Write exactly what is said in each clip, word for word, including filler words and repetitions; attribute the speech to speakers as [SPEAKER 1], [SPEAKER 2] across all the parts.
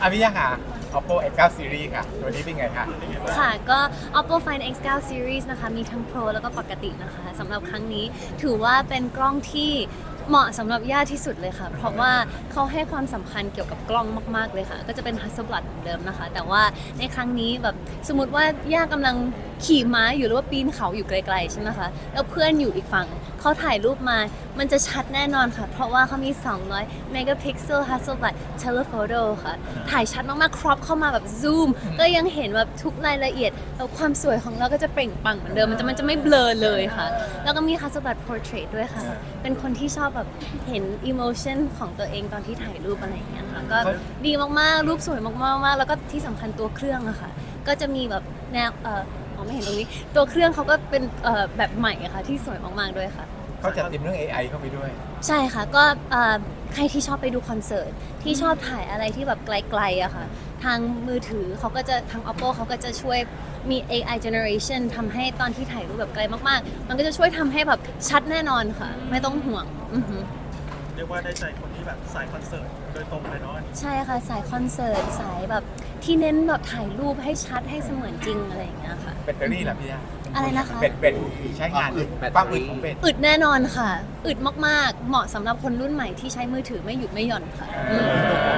[SPEAKER 1] อ่ะพี่ย่าค่ะ Oppo เอ็กซ์ ไนน์ Series ค่ะตัวนี้เป็นไงคะ
[SPEAKER 2] ค่ะก็ Oppo Find เอ็กซ์ ไนน์ Series นะคะมีทั้ง Pro แล้วก็ปกตินะคะสำหรับครั้งนี้ถือว่าเป็นกล้องที่เหมาะสำหรับย่าที่สุดเลยค่ะ เพราะว่าเขาให้ความสำคัญเกี่ยวกับกล้องมากๆเลยค่ะ ก็จะเป็น Hasselblad เหมือนเดิมนะคะ แต่ว่าในครั้งนี้แบบสมมติว่าย่ากำลังขี่ม้าอยู่หรือว่าปีนเขาอยู่ไกลๆใช่ไหมคะแล้วเพื่อนอยู่อีกฝั่งเขาถ่ายรูปมามันจะชัดแน่นอนค่ะ เพราะว่าเขามีสองร้อย megapixel Hasselblad telephoto ค่ะถ่ายชัดมากๆ crop เข้ามาแบบซูมก็ยังเห็นแบบทุกรายละเอียดแล้วความสวยของเราก็จะเปล่งปลั่งเหมือนเดิมมันจะมันจะไม่เบลอเลยค่ะแล้วก็มี Hasselblad portrait ด้วยค่ะเป็นคนที่ชอบแบบเห็น emotion ของตัวเองตอนที่ถ่ายรูปอะไรอย่างเงี้ยค่ะก็ดีมากๆรูปสวยมากๆแล้วก็ที่สำคัญตัวเครื่องอะค่ะก็จะมีแบบแนวเอออ๋อไม่เห็นตรงนี้ตัวเครื่องเขาก็เป็นเอ่อแบบใหม่อะค่ะที่สวยมากๆด้วยค่ะ
[SPEAKER 1] เขาจัดเต็มเรื่อง เอ ไอ เข้าไปด้วย
[SPEAKER 2] ใช่ค่ะก็เอ่อใครที่ชอบไปดูคอนเสิร์ตที่ชอบถ่ายอะไรที่แบบไกลๆอะค่ะทางมือถือเขาก็จะทาง Oppo เขาก็จะช่วยมี เอ ไอ generation ทำให้ตอนที่ถ่ายรูปแบบไกลมากๆมันก็จะช่วยทำให้แบบชัดแน่นอนค่ะไม่ต้องห่วงอือหือ
[SPEAKER 3] เรียกว่าได้ใจคนที่แบบสายคอนเสิร์ตโดยตรงเลยเนาะ
[SPEAKER 2] ใช่ค่ะสายคอนเสิร์ตสายแบบที่เน้นแบบถ่ายรูปให้ชัดให้เสมือนจริงอะไรอย่างเงี้ยค่ะ
[SPEAKER 1] แบตเตอรี่ล่ะพี่ย่า
[SPEAKER 2] อะไรนะคะ
[SPEAKER 1] แบตแบตใช้งานความอึดของแบต
[SPEAKER 2] อึดแน่นอนค่ะอึดมากๆ เหมาะสำหรับคนรุ่นใหม่ที่ใช้มือถือไม่หยุดไม่หย่อนค่ะอืม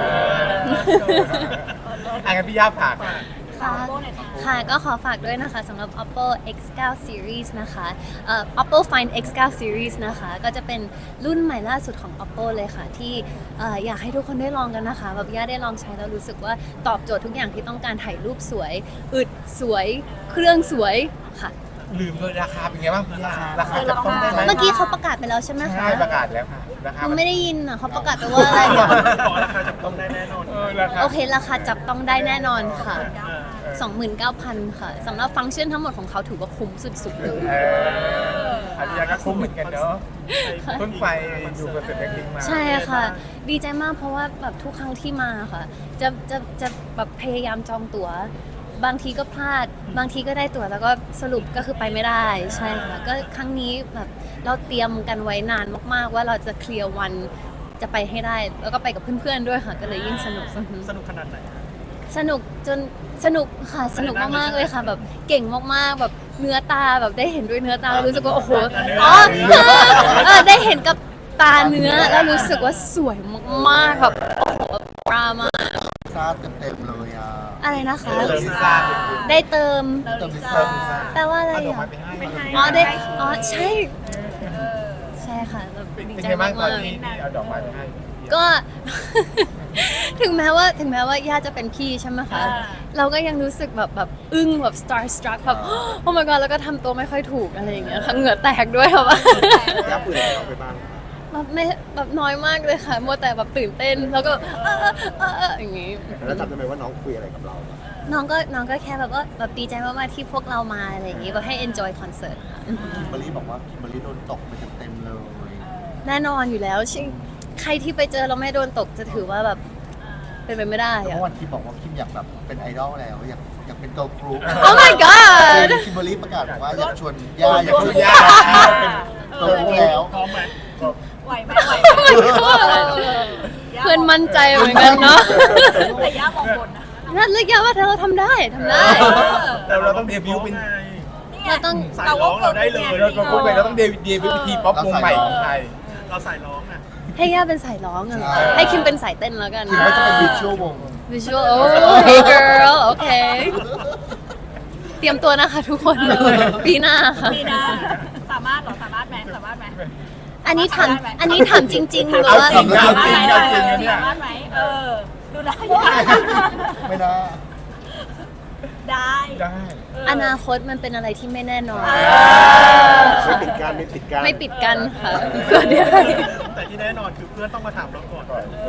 [SPEAKER 1] อ่ะงั้นพี่ย่าผ่านค่ะ
[SPEAKER 2] ค่ะค่ะก็ขอฝากด้วยนะคะสำหรับ Oppo เอ็กซ์ ไนน์ Series นะคะเอ่อ Oppo Find เอ็กซ์ ไนน์ Series นะคะก็จะเป็นรุ่นใหม่ล่าสุดของ Oppo เลยค่ะที่เอ่ออยากให้ทุกคนได้ลองกันนะคะแบบย่าได้ลองใช้แล้วรู้สึกว่าตอบโจทย์ทุกอย่างที่ต้องการถ่ายรูปสวยอึดสวยเครื่องสวยค่ะ
[SPEAKER 1] ลืมเลยราคาเป็นไงบ้างพี่ย่าราคาจะต้องได้ไหม
[SPEAKER 2] เมื่อกี้เขาประกาศไปแล้วใช่ไหมคะ
[SPEAKER 1] ใช่ประกาศแล้วค่ะราคา
[SPEAKER 2] หนูไม่ได้ยินอ่ะเขาประกาศไปว่าอะไรเนี่ย
[SPEAKER 3] บอกราคาจับต้องได้แน่นอน
[SPEAKER 1] เออราคา
[SPEAKER 2] โอเคราคาจับต้องได้แน่นอนค่ะ
[SPEAKER 3] เออ
[SPEAKER 2] สองหมื่นเก้าพัน ค่ะสำหรับฟังก์ชันทั้งหมดของเขาถือว่าคุ้มสุดๆเลย
[SPEAKER 1] เอออันนี้ก็คุ้มเหมือนกันเนาะเพิ่งไปดูคอนเสิร์ตแบล็คพิงค์มา
[SPEAKER 2] ใช่ค่ะ ดีใจมากเพราะว่าแบบทุกครั้งที่มาค่ะ จะจะจะแบบพยายามจองตั๋ว บางทีก็พลาด บางทีก็ได้ตั๋วแล้วก็สรุปก็คือไปไม่ได้ใช่ค่ะก็ครั้งนี้แบบเราเตรียมกันไว้นานมากๆ ว่าเราจะเคลียร์วันจะไปให้ได้ แล้วก็ไปกับเพื่อนๆด้วยค่ะ ก็เลยยิ่งสนุก
[SPEAKER 3] สนุกขนาดไหน
[SPEAKER 2] สนุกจนสนุกค่ะสนุกมากๆเลยค่ะ แบบเก่งมากๆแบบเนื้อตาแบบได้เห็นด้วยเนื้อตาแล้วรู้สึกว่าโอ้โหอ๋อเออได้เห็นกับตาเนื้อแล้วรู้สึกว่าสวยมากๆแบบโอ้โหปรามา
[SPEAKER 4] ซาเต็มๆเลยอ่ะ
[SPEAKER 2] อะไรนะคะ
[SPEAKER 1] เออลิซ่า
[SPEAKER 2] ได้เติม
[SPEAKER 4] เต็มลิซ่า
[SPEAKER 2] แปลว่าอะไร
[SPEAKER 1] เอาดอก
[SPEAKER 2] อ่ะ
[SPEAKER 1] ไม้ไปให้
[SPEAKER 2] อ๋อได้อ๋อใช่ใช่ค่ะแบบ
[SPEAKER 1] เป็น
[SPEAKER 2] ดี
[SPEAKER 1] ไง
[SPEAKER 2] ใจ
[SPEAKER 1] บ้างตอ
[SPEAKER 2] มาน ก
[SPEAKER 1] ที่เอาดอกไม้ไปให้
[SPEAKER 2] ๆก็ ถึงแม้ว่าถึงแม้ว่าย่าจะเป็นพี่ใช่ไหมคะเราก็ยังรู้สึกแบบแบบอึ้งแบบ star struck แบบ โอ้ my god แล้วก็ทำตัวไม่ค่อยถูกอะไรอย่างเงี้ยค่ะเหงื่อแตกด้วยค่ะว่า
[SPEAKER 4] ยับปืนเอาไปบ้าง
[SPEAKER 2] แบบไม่แบบน้อยมากเลยค่ะมัวแต่แบบตื่นเต้นแล้วก็เออเออเออเอออย่างงี้
[SPEAKER 4] แล้วจำได้ไหมว่าน้องคุยอะไรกับเราอะ
[SPEAKER 2] น้องก็น้องก็แค่แบบว่าแบบดีใจมากๆที่พวกเรามาอะไรอย่างงี้แบบให้ enjoy concert ค่ะอืม
[SPEAKER 4] คิมเบอรรี่บอกว่าคิมเบอรรี่โดนตกไปเต็มๆเลย
[SPEAKER 2] แน่นอนอยู่แล้วชิใครที่ไปเจอเราไม่โดนตกจะถือว่าแบบเป็นไปไม่ได้
[SPEAKER 4] แล้ว
[SPEAKER 2] อะ
[SPEAKER 4] เมื่อวันคิมบอกว่าคิมอยากแบบเป็นไอดอลแล้วอยากอยากเป็นเกิร์ลกรุ๊ป
[SPEAKER 2] Oh my god
[SPEAKER 4] คิมเบอรรี่ประกาศบอกว่าอยากชวนย่าอยากชวนย่าเป็นเกิร์ลกรุ๊ปแล้ว
[SPEAKER 3] พร้อมไหม
[SPEAKER 5] ไหวไหมไหวไหม
[SPEAKER 2] เพื่อนมั่นใจเหมือนกันเนาะ
[SPEAKER 5] แต่ย่ามองบนนะ
[SPEAKER 2] นั่นเลือกยาว่าเธอเราทำได้ทำได้
[SPEAKER 1] แต่เราต้องเดบิวต์เป็น
[SPEAKER 2] เราต้อง
[SPEAKER 3] สายร้องเราได้เลย
[SPEAKER 1] เราต้องเป็นเราต้องเดบิวต์เดบิวต์ทีป๊อปวงใหม่ของไทย
[SPEAKER 3] เราสายร้องอ่ะ
[SPEAKER 2] ให้ย่าเป็นสายร้องอะเหรอให้คิมเป็นสายเต้นแล้วกัน
[SPEAKER 4] คิมว่าจะเป็นวิชวลวง
[SPEAKER 2] visual โอ้ hey girl โอเค เตรียมตัวนะคะทุกคน ปีหน้าค่ะ
[SPEAKER 5] มีนะสามารถเหรอสามารถไหมสามารถไหม
[SPEAKER 2] อันนี้ถามอันนี้ถามจริงๆหรือ
[SPEAKER 1] เอา
[SPEAKER 2] ว่า
[SPEAKER 1] จริงนะเอาจริง
[SPEAKER 5] ส
[SPEAKER 1] เอาจริงนะเนี่ย
[SPEAKER 5] ามารถไหมเออดูได้
[SPEAKER 4] ไม่น่า
[SPEAKER 5] ได้
[SPEAKER 1] ได้
[SPEAKER 2] อนาคตมันเป็นอะไรที่ไม่แน่นอน
[SPEAKER 4] ไม่ปิดการไม่ปิดการ
[SPEAKER 2] ไม่ปิดกันค่ะเพื่อเดี๋ยว
[SPEAKER 3] แต่ที่แน่นอนคือเพื่อนต้องมาถามเราก่อน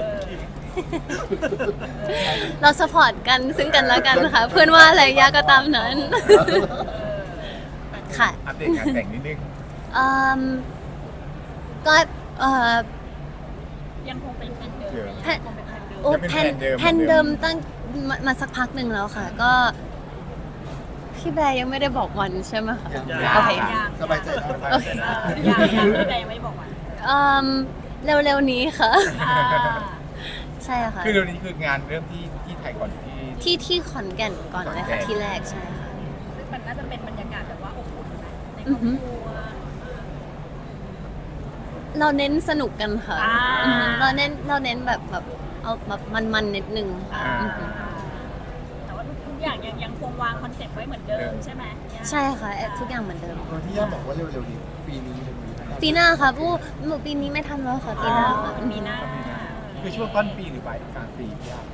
[SPEAKER 2] เราสปอร์ตกันซึ่งกันและกันค่ะ เพื่อนว่าอะไรยาก็ตามนั้น ค่ะ
[SPEAKER 1] อัปเดตงานแต่งนิดนึง
[SPEAKER 2] อืมก็เอ่อ
[SPEAKER 5] ยังคงเป็นแฟนเดิม
[SPEAKER 2] แพ
[SPEAKER 5] ยังคงเป็นแฟนเดิม
[SPEAKER 2] โอ้
[SPEAKER 1] จะเป็น
[SPEAKER 2] แพน
[SPEAKER 1] แผนเดิม
[SPEAKER 2] แพนเดิมตั้งมามาสักพักหนึ่งแล้วค่ะ ก็ พี่แบร์ยังไม่ได้บอกวันใช่ไหมคะ
[SPEAKER 4] ยัง
[SPEAKER 2] โอเค
[SPEAKER 4] สบายใจครับ
[SPEAKER 2] โอเค
[SPEAKER 5] เออยังยังพี่แดงยังไม่ได้บอกวัน
[SPEAKER 2] อืมเร็วๆนี้ค่ะ
[SPEAKER 5] อ่า
[SPEAKER 2] ใช่ค่ะ
[SPEAKER 1] คือเดี๋ยวนี้คืองานเริ่มที่ที่ไทยก่อนที่
[SPEAKER 2] ที่ที่ขอนแก่นก่อนเลย
[SPEAKER 1] ขอนแก่
[SPEAKER 2] ค่ะ
[SPEAKER 1] น
[SPEAKER 2] ที่แรกใช่ค่ะ
[SPEAKER 5] ซึ่งมันน่าจะเป็นบรรยากาศแบบว่าอบอุ่นนะในค
[SPEAKER 2] อื
[SPEAKER 5] รอ
[SPEAKER 2] อบ ฮึ
[SPEAKER 5] ครัว
[SPEAKER 2] เราเน้นสนุกกันค่ะ
[SPEAKER 5] อ่า
[SPEAKER 2] อือฮึเราเน้นเราเน้นแบบแบบเอาแบบมันๆนิดนึงค่ะ
[SPEAKER 1] อ่า
[SPEAKER 2] อือฮึ
[SPEAKER 5] แต่ว่าทุกอย่างยังยังคงวางคอนเซ็ปต์ไว้เหมือนเดิมใช่ไหมย่า
[SPEAKER 2] ใช่ค่ะทุกอย่างเหมือนเดิม
[SPEAKER 4] ตอนที่ย่าบอกว่าเร็วๆนี้ปีนี้เลยมี
[SPEAKER 2] ปีหน้าค่ะผู้หนูปีนี้ไม่ทันแล้วค่ะปีหน้าค่ะ
[SPEAKER 5] มีหน้า
[SPEAKER 1] คือช่วงต้นปีหรือปลายกลางปีพี่ย่า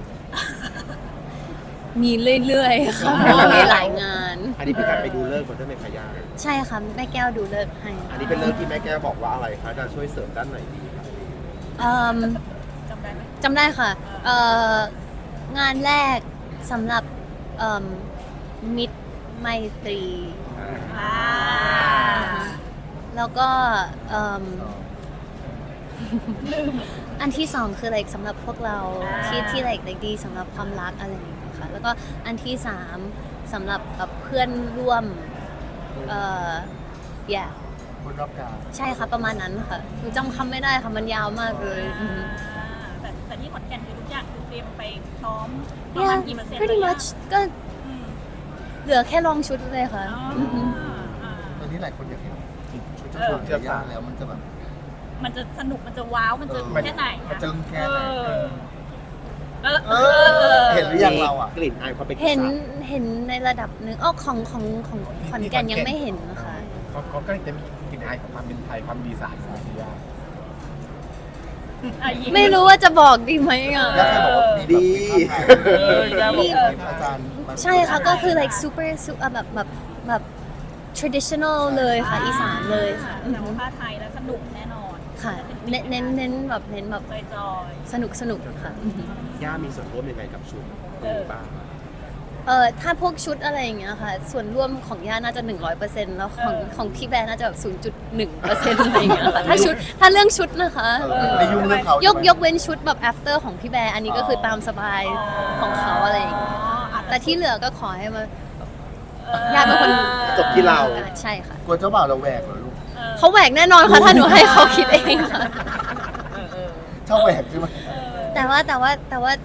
[SPEAKER 2] มีเรื่อยๆค่ะเพราะว่ามีหลายงาน
[SPEAKER 6] อันนี้เป็นการไปดูเลิกษ์มาด้วยไหมคะย่า
[SPEAKER 2] ใช่ค่ะแม่แก้วดูเลิกษ์ให้
[SPEAKER 6] อันนี้เป็นเลิกษ์ที่แม่แก้วบอกว่าอะไรคะจะช่วยเสริมด้านไหนดีคะ
[SPEAKER 2] เอิ่ม
[SPEAKER 5] จำได้ไหม
[SPEAKER 2] จำได้ค่ะเอ่องานแรกสำหรับเอิ่มมิตรไมตรี
[SPEAKER 5] อ่า
[SPEAKER 2] แล้วก็เอิ่มอันที่สองคือ like สำหรับพวกเราที่ที่ like like ดีสำหรับความรักอะไรอย่างเงี้ยค่ะแล้วก็อันที่สามสำหรับแบบเพื่อนร่วมเอ่อ yeah
[SPEAKER 4] คนรอบกาย
[SPEAKER 2] ใช่ค่ะประมาณนั้นค่ะหนูจำคำไม่ได้ค่ะมันยาวมากเลยอือฮึ
[SPEAKER 5] แต่แต่ที่ขอนแก่นคือทุกอย่างคือเตรียมไปพร้อมประมา
[SPEAKER 2] yeah
[SPEAKER 5] ณกี่เปอร์เซ็นต์
[SPEAKER 2] pretty
[SPEAKER 5] แล้ว
[SPEAKER 2] much ก็
[SPEAKER 5] อืม
[SPEAKER 2] เหลือแค่ลองชุดเลยค่ะ
[SPEAKER 5] อ๋อ
[SPEAKER 2] อือฮึ
[SPEAKER 5] อ่า
[SPEAKER 4] ตอนนี้หลายคนอยากเห็นชุด
[SPEAKER 5] เอ
[SPEAKER 4] เจ้า
[SPEAKER 5] อ
[SPEAKER 4] สาวกับย่าแล้วมันจะแบบ
[SPEAKER 5] มันจะสนุกมันจะว้าวมันจะ
[SPEAKER 4] เออ
[SPEAKER 5] แค่ไหน
[SPEAKER 4] มันจะแค่ไหน
[SPEAKER 5] เออ
[SPEAKER 4] เออเห็นหรือยังเราอ่ะ
[SPEAKER 6] กลิ่นอายความเป็น
[SPEAKER 2] เห็น
[SPEAKER 6] อีสา
[SPEAKER 2] เห็นในระดับหนึ่งอ้อของของของขอนแก่นยังไม่เห็นนะคะ
[SPEAKER 1] เขาเขาก็จะมีกลิ่นอายของความเป็นไทยความดีสานของพี่ย่า
[SPEAKER 5] อ่ะยิ้
[SPEAKER 2] ไม่รู้ว่าจะบอกดีไหมอ่ะ
[SPEAKER 4] ย่าเคยบอกว่ามี
[SPEAKER 6] ดี
[SPEAKER 4] แบบเป็นภาพถ่าย
[SPEAKER 2] มี
[SPEAKER 4] อาจารย์มา
[SPEAKER 2] ใช่ค่ะก็คือ like super super แบบแบบแบบ traditional เลยค่ะอีสานเลยค่ะอือ
[SPEAKER 5] แต่
[SPEAKER 2] ฮึ
[SPEAKER 5] ว่าผ้าไทยแล้วสนุกแน่นอน
[SPEAKER 2] ค่ะเน้นเน้นเน้นแบบเน้นแบบ
[SPEAKER 5] จอย
[SPEAKER 2] สนุกสนุกค่ะอือฮึ
[SPEAKER 6] ย่ามีส่วนร่วมยังไงกับชุดนี้บ้าง
[SPEAKER 2] เออถ้าพวกชุดอะไรอย่างเงี้ยค่ะ ส่วนร่วมของย่าน่าจะ หนึ่งร้อยเปอร์เซ็นต์ แล้วของของพี่แบร์น่าจะแบบ ศูนย์จุดหนึ่งเปอร์เซ็นต์ อะไรอย่างเงี้ยค่ะถ้าชุดถ้าเรื่องชุดนะคะ
[SPEAKER 4] เออไม่ยุ่งเรื่องเขา
[SPEAKER 2] ย
[SPEAKER 4] ย
[SPEAKER 2] กยกเว้นชุดแบบ after ของพี่แบร์อันนี้ก็คือตามสบายของเขาอะไรอย่างเงี้ย แต่ที่เหลือก็ขอให้มาญาติเป็นคน
[SPEAKER 6] จบที่เรา
[SPEAKER 2] ใช่ค่ะ
[SPEAKER 4] กลัวเจ้าบ่าวเราแหวกเหรอลูก
[SPEAKER 2] เขาแหวกแน่นอนค่ะ ถ้าหนูให้เขาคิดเองค่ะ
[SPEAKER 4] ชอบแหวกใช่ไหม
[SPEAKER 2] แต่ว่าแต่ว่าแต่ว่า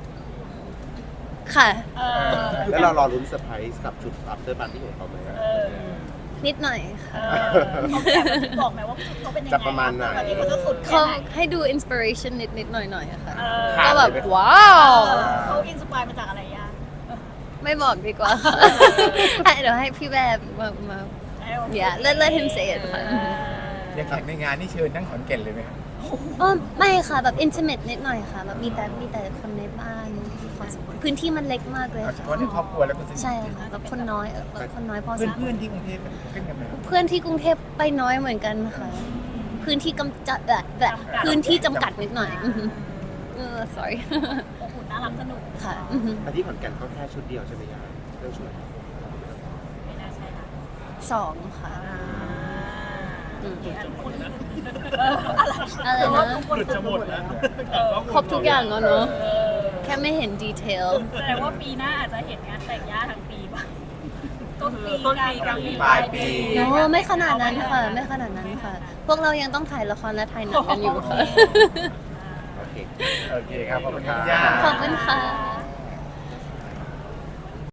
[SPEAKER 2] ค่ะ
[SPEAKER 6] แล้วเรารอรุ้นเซอร์ไพรส์กับชุด after party ของเขาไหม
[SPEAKER 2] นิดหน่อยค่ะ
[SPEAKER 5] เขาแบบบอกไหมว่าเขาเป็นยังไง
[SPEAKER 6] จะประมาณไหน
[SPEAKER 5] วันนี้เขาจะสุดแค่
[SPEAKER 2] เขา
[SPEAKER 5] ไหน
[SPEAKER 2] ให้ดู inspiration นิดนิดหน่อยหน่อยอะค่ะ
[SPEAKER 5] เออ
[SPEAKER 2] ก็แบบ
[SPEAKER 6] ขาดเลยไหม
[SPEAKER 2] ว้าว
[SPEAKER 5] เขาอินสปายมาจากอะไรย่า
[SPEAKER 2] ไม่บอกดีกว่าค่ะให้เดี๋ยวให้พี่แบบมามา yeah let let him say it ค่ะ
[SPEAKER 1] อย่างแขกในงานนี่เชิญทั้งขอนแก่นเลยไหมครับ
[SPEAKER 2] อ๋อไม่ค่ะแบบ intimate นิดหน่อยค่ะแบบมีแต่มีแต่คนในบ้านพอสมควรพื้นที่มันเล็กมากเลย
[SPEAKER 1] เอาเฉ
[SPEAKER 2] ค่ะ
[SPEAKER 1] พาะในครอบครัวแล้วก็สนิท
[SPEAKER 2] ใช่ค่ะแบบคนน้อยเออแบบคนน้อยพอส
[SPEAKER 1] เพื่อน
[SPEAKER 2] มคว
[SPEAKER 1] เพื่อ
[SPEAKER 2] ร
[SPEAKER 1] นๆที่กรุงเทพขึ้นกันไหม
[SPEAKER 2] เพื่อนที่กรุงเทพไปน้อยเหมือนกันค่ะพื้นที่กำจัดแบบแบบพื้นที่จำกัดนิดหน่อยอือฮึเออ sorry
[SPEAKER 5] อบอุ่นน่ารักสนุก
[SPEAKER 2] ค่ะอือฮึ
[SPEAKER 6] แต่ที่ขอนแก่นก็แค่ชุดเดียวใช่ไหมย่าเรื่องชุด
[SPEAKER 5] ไม่น่าใช่ค่ะ
[SPEAKER 2] สองค่ะอืม
[SPEAKER 5] เอออะไร
[SPEAKER 2] อะไร
[SPEAKER 5] แต่ว่า
[SPEAKER 2] นะ
[SPEAKER 5] ทุกคน
[SPEAKER 3] หลุดจะหมดแล้ว
[SPEAKER 2] ครบทุกอย่างแล้วเนอะแค่ไม่เห็นดีเทล
[SPEAKER 5] แสดงว่าปีหน้าอาจจะเห็นงานแต่งย่าทั้งปีป่ะต้นปีกลางปี
[SPEAKER 1] ปลายปี
[SPEAKER 2] โน้ไม่ขนาดนั้นค่ะ ไม่ขนาดนั้นค่ะ พวกเรายังต้องถ่ายละครและถ่ายหนังกันอยู่ค่ะ
[SPEAKER 6] โอเค
[SPEAKER 1] โอเคครับขอบคุณครับย่า
[SPEAKER 2] ขอบคุณค่ะ